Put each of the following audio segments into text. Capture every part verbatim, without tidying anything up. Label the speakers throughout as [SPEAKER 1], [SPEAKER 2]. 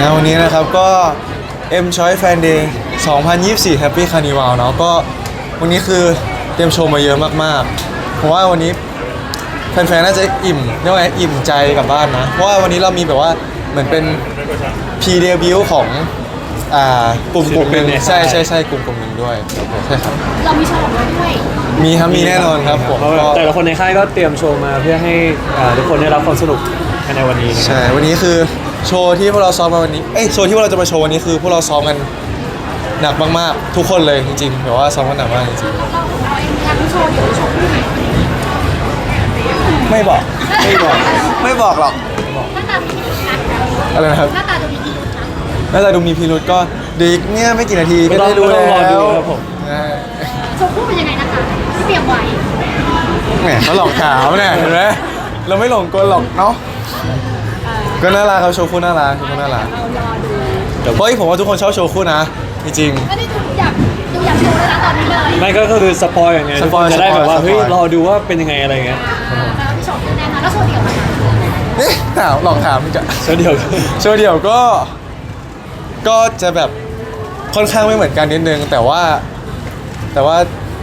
[SPEAKER 1] นะวันนี้นะครับก็ M Choice Fan Day สองพันยี่สิบสี่ Happy Carnival เนาะก็วันนี้คือเตรียมโชว์มาเยอะมากๆเพราะว่าวันนี้แฟนๆน่าจะอิ่มเรียกว่าอิ่มใจกลับบ้านนะเพราะว่าวันนี้เรามีแบบว่าเหมือนเป็นพรีเดบิวต์ของอ่ากลุ่มกลุ่มหนึ่งใช่ใช่ใช่กลุ่มกลุ่มหนึ่งด้วยใช่ครับ
[SPEAKER 2] เรามีโชว์ของเราด้วย
[SPEAKER 1] มีครับมีแน่นอนครับผม
[SPEAKER 3] แต่ละคนในค่ายก็เตรียมโชว์มาเพื่อให้ทุกคนได้รับความสนุกในวันนี้
[SPEAKER 1] ใช่วันนี้คือโชว์ที่พวกเราซ้อมมาวันนี้เอ้ยโชว์ที่พวกเราจะมาโชว์วันนี้คือพวกเราซ้อมกันหนักมากๆทุกคนเลยจริงๆแบบว่าซ้อมกันหนักมากจริง
[SPEAKER 2] เราเราเองทำโชว์เดี๋ยวโชว์คู่ไหน
[SPEAKER 1] ๆไม่บอกไม่บอกไม่บอกหรอก
[SPEAKER 2] หน้าตาดูมีพิรุธนะ
[SPEAKER 1] อะไรนะครับ
[SPEAKER 2] หน้าตาดูมีพิรุธนะ
[SPEAKER 1] หน้าตาดูมีพิรุธก็ดีเนี่ยไม่กี่นาทีก็ได้รู้แล้ว
[SPEAKER 3] ครับผม
[SPEAKER 2] โชว์คู่เป็นยังไงนะคะที่เตรียมไว้
[SPEAKER 1] แหมเขาหลอกถามเนี่ยเห็นไหมเราไม่หลงกลหรอกเนาะก็น่ารักเขาโชว์คู่น่ารักโชว์คู่น่ารักเพราะผมว่าทุกคนชอบโชว์คู่นะจริง
[SPEAKER 2] ๆไม่ได้ดูอยากดูอยากโชว์แล้วนะตอนนี้เลย
[SPEAKER 3] ไม่ก็คือสปอยอย่างเงี้ยทุกคนจะได้แบบว่าเฮ้ยรอดูว่าเป็นยังไงอะไรเงี้ย
[SPEAKER 2] แล้วพี่โชว์แน่นอนแล้วโชว์เดี่ยวนะคะ
[SPEAKER 1] นี่ถามหลอกถามจะ
[SPEAKER 3] โชว์เดี่ยว
[SPEAKER 1] โชว์เดี่ยวก็ก็จะแบบค่อนข้างไม่เหมือนกันนิดนึงแต่ว่าแต่ว่า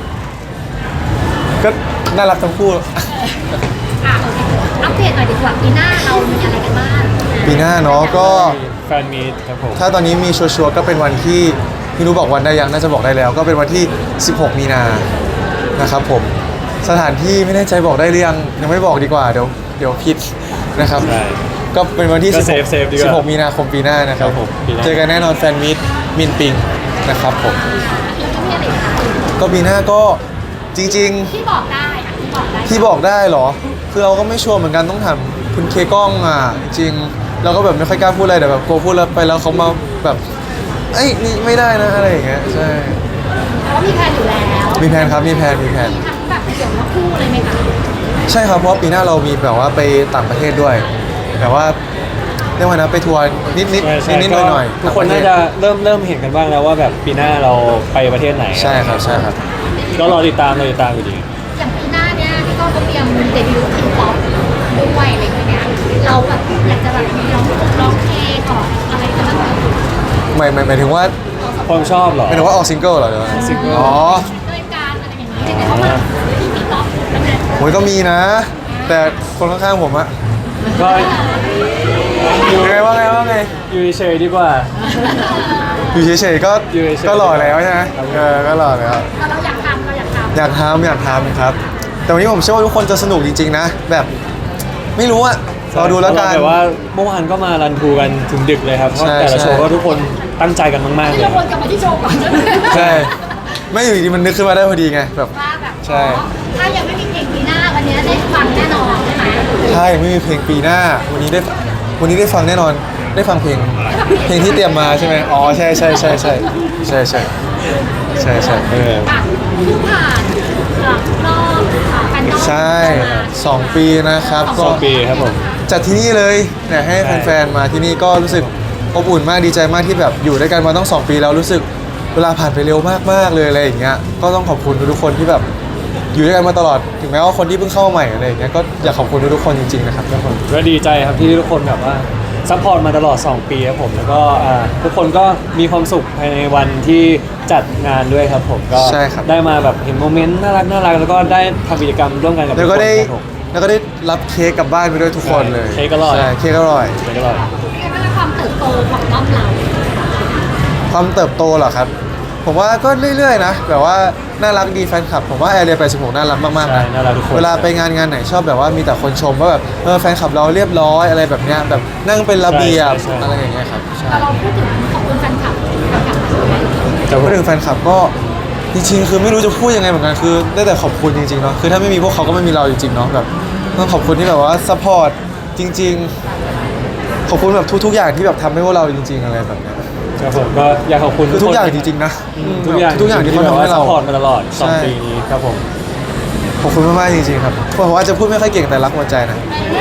[SPEAKER 1] ก็น่ารักทั้งคู่
[SPEAKER 2] อ่ะอัปเดตหน่อยดีกว่าปีหน้าเรามีอะไรกันบ้าง
[SPEAKER 1] ปีหน้าเนาะก็
[SPEAKER 3] แฟนมีตครับผม
[SPEAKER 1] ถ้าตอนนี้มีชัวร์ๆก็เป็นวันที่ไม่รู้บอกวันได้ยังน่าจะบอกได้แล้ว ก็เป็นวันที่สิบหกมีนานะครับผมสถานที่ไม่แน่ใจบอกได้หรือยังยังไม่บอกดีกว่าเดี๋ยวเดี๋ยวผิดนะครับก็เป็นวันที่สิบหกมีนาคมปีหน้านะครับผมเจอกันแน่นอนแฟนมีตมินปิงนะครับผมก็ปีหน้าก็จริงๆ
[SPEAKER 2] ที่บอกได้ที่บอกได้
[SPEAKER 1] ที่บอกได้เหรอคือเราก็ไม่ชัวร์เหมือนกันต้องถามคุณเคกล้องอ่ะจริงเราก็แบบไม่ค่อยกล้าพูดอะไรแต่แบบกลัวพูดแล้วไปแล้วเขามาแบบเอ้ยนี่ไม่ได้นะอะไรอย่างเงี้ยใช่
[SPEAKER 2] แต่ว่ามีแผนอยู่แล้ว
[SPEAKER 1] มีแผนครับมีแผนมีแผน
[SPEAKER 2] มีทั้งแบบเดี่ยวและคู่เลยไหมคะ
[SPEAKER 1] ใช่ครับเพราะปีหน้าเรามีแบบว่าไปต่างประเทศด้วยแต่ว่าเรียกว่านะไปทัวร์นิดนิดนิดนิดหน่อยหน่อย
[SPEAKER 3] ทุกคนน่าจะเริ่มเริ่มเห็นกันบ้างแล้วว่าแบบปีหน้าเราไปประเทศไหน
[SPEAKER 1] ใช่ครับใช่ครับ
[SPEAKER 3] ก็รอติดตามรอติดตามอยู่ดี
[SPEAKER 2] อย่างปีหน้าเนี้ยพี่ก้องก็เตรียมเดบิวต์ทีป๊อปด้วยอะไรอย่างเงี้ยเราแบบอยากจะแบบมีร้องร้องเพลงออกอะไรกันบ้างไหม
[SPEAKER 1] หมายหมายหมายถึงว่า
[SPEAKER 3] ความชอบเหรอ
[SPEAKER 1] หมายถึงว่าออกซิงเกิลเหรอเดี๋ยว
[SPEAKER 3] ซิงเกิล
[SPEAKER 1] อ๋อ
[SPEAKER 2] ด้วยการอะไรอย่างนี้แต่เขามาที่ทีป๊อปนั่นแหละ
[SPEAKER 1] โอ้ยก็มีนะแต่คนข้างๆผมอะ
[SPEAKER 3] ก็
[SPEAKER 1] ไงว่าไงว่าไง
[SPEAKER 3] อยู่เฉยดีกว่า
[SPEAKER 1] อยู่เฉยๆก็ก็หล่อแล้วใช่ไหมเออก็หล่อแล้ว
[SPEAKER 2] เราอยากทำเราอยากทำ
[SPEAKER 1] อยากทำอยากทำครับแต่วันนี้ผมเชื่อว่าทุกคนจะสนุกจริงๆนะแบบไม่รู้อะรอดูแล้วกัน
[SPEAKER 3] แต่ว่าเมื่อวานก็มารันทูกันถึงดึกเลยครับเพราะแต่ละโชว์ก็ทุกคนตั้งใจกันมากๆเลย
[SPEAKER 2] เราวนกลับมาที่โชว์ก่อน
[SPEAKER 1] ใช่ไม่อยู่ดีมันนึกขึ้นมาได้พอดีไงแบบ
[SPEAKER 2] ใช่ถ้ายังไม่มีเพลงปีหน้าวันนี้ได้ฟังแน่นอนใช่ไหม
[SPEAKER 1] ใช่ไม่มีเพลงปีหน้าวันนี้ได้วันนี้ได้ฟังแน่นอนได้ฟังเพลงเพลงที่เตรียมมาใช่ไหมอ๋อใช่ใช่ใช่ใช่ใช่ใช่ใช่ใช่เออ
[SPEAKER 2] ผู้ผ่านรอบแฟนดอม
[SPEAKER 1] ใช่สองปีนะครับ
[SPEAKER 3] สองปีครับผม
[SPEAKER 1] จัดที่นี่เลยเนี่ยให้แฟนๆมาที่นี่ก็รู้สึกอบอุ่นมากดีใจมากที่แบบอยู่ด้วยกันมาต้องสองปีแล้วรู้สึกเวลาผ่านไปเร็วมากๆเลยอะไรอย่างเงี้ยก็ต้องขอบคุณทุกคนที่แบบอยู่ด้วยกันมาตลอดถึงแม้ว่าคนที่เพิ่งเข้าใหม่อะไรอย่างเงี้ยก็อยากขอบคุณทุกคนจริงๆนะครับทุกคน
[SPEAKER 3] ก็ดีใจครับที่ทุกคนแบบว่าซัพพอร์ตมาตลอดสองปีครับผมแล้วก็ทุกคนก็มีความสุขภายในวันที่จัดงานด้วยครับผมก็ได้มาแบบเห็นโมเมนต์น่ารักน่ารักแล้วก็ได้ทำกิจกรรมร่วมกันกับทุกคน
[SPEAKER 1] แล้วก็ได้แล้วก็ได้รับเค้กกลับบ้านไปด้วยทุกคนเลย
[SPEAKER 3] เค้กอร่อย
[SPEAKER 1] ใช่เค้กอร่อย
[SPEAKER 3] เค้กอร่อย
[SPEAKER 2] เป็นความเติบโตของรอบเรา
[SPEAKER 1] ความเติบโตเหรอครับผมว่าก็เรื่อยๆนะแบบว่าน่ารักดีแฟนคลับผมว่าแอร์เรียแปดสิบหกน่ารักมากๆนะเวลาไปงานงานไหนชอบแบบว่ามีแต่คนชมว่าแบบเออแฟนคลับเราเรียบร้อยอะไรแบบเนี้ยแบบนั่งเป็นระเบียบอะไรอย่างเงี้ยครับ
[SPEAKER 2] แต่เราพูดถึงขอบคุณแฟนคลับ
[SPEAKER 1] แต่พูดถึงแฟนคลับก็จริงๆคือไม่รู้จะพูดยังไงเหมือนกันคือได้แต่ขอบคุณจริงๆเนาะคือถ้าไม่มีพวกเขาก็ไม่มีเราจริงๆเนาะแบบต้องขอบคุณที่แบบว่าซัพพอร์ตจริงๆขอบคุณแบบทุกๆอย่างที่แบบทำให้พวกเราจริงๆอะไรแบบเนี้ย
[SPEAKER 3] ครับผมก็อยากขอบคุณ
[SPEAKER 1] ทุกอย่างจริงๆนะ
[SPEAKER 3] ทุกอย่าง
[SPEAKER 1] ทุกอย่างที่เขาทำให้เรา
[SPEAKER 3] ซัพพอร์ตมาตลอดสองปีนี้ครับผม
[SPEAKER 1] ขอบคุณมากๆจริงๆครับผมอาจจะพูดไม่ค่อยเก่งแต่รักหัวใจนะ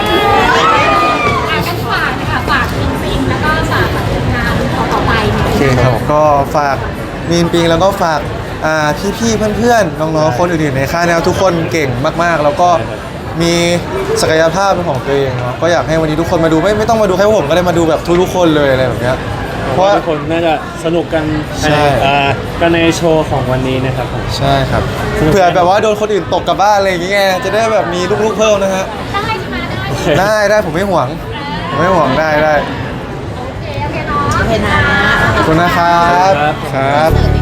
[SPEAKER 2] กันฝากนะคะฝากปิงปิงแล้วก็ฝากงานต่อไปโอ
[SPEAKER 1] เคครับก็ฝากมีนปิงแล้วก็ฝากพี่ๆเพื่อนๆน้องๆคนอื่นๆในค่ายแนวทุกคนเก่งมากๆแล้วก็มีศักยภาพเป็นของตัวเองเนาะก็อยากให้วันนี้ทุกคนมาดูไม่ไม่ต้องมาดูแค่พวกผมก็ได้มาดูแบบทุกๆคนเลยอะไรแบบเนี้ยเพ
[SPEAKER 3] เพ
[SPEAKER 1] ราะ
[SPEAKER 3] ราะ
[SPEAKER 1] ว่า
[SPEAKER 3] ว่าทุกคนน่าจะสนุกกัน
[SPEAKER 1] ใช่
[SPEAKER 3] ในอ่ากันในโชว์ของวันนี้นะครับผม
[SPEAKER 1] ใช่ครับเผื่อแบบว่าโดนคนอื่นตกกลับบ้านอะไรอย่างเงี้ยจะได้แบบมีลูกๆเพิ่มนะฮะ
[SPEAKER 2] ได้ใช่ไหมได้
[SPEAKER 1] ได้ได้ผมไม่ห่วงผมไม่ห่วงได้ได้
[SPEAKER 2] โอเคโอเคเนาะ
[SPEAKER 4] โอเคนะ
[SPEAKER 1] ขอบคุณนะครับ
[SPEAKER 3] ครับ
[SPEAKER 1] ครับ
[SPEAKER 2] เสิร์ฟ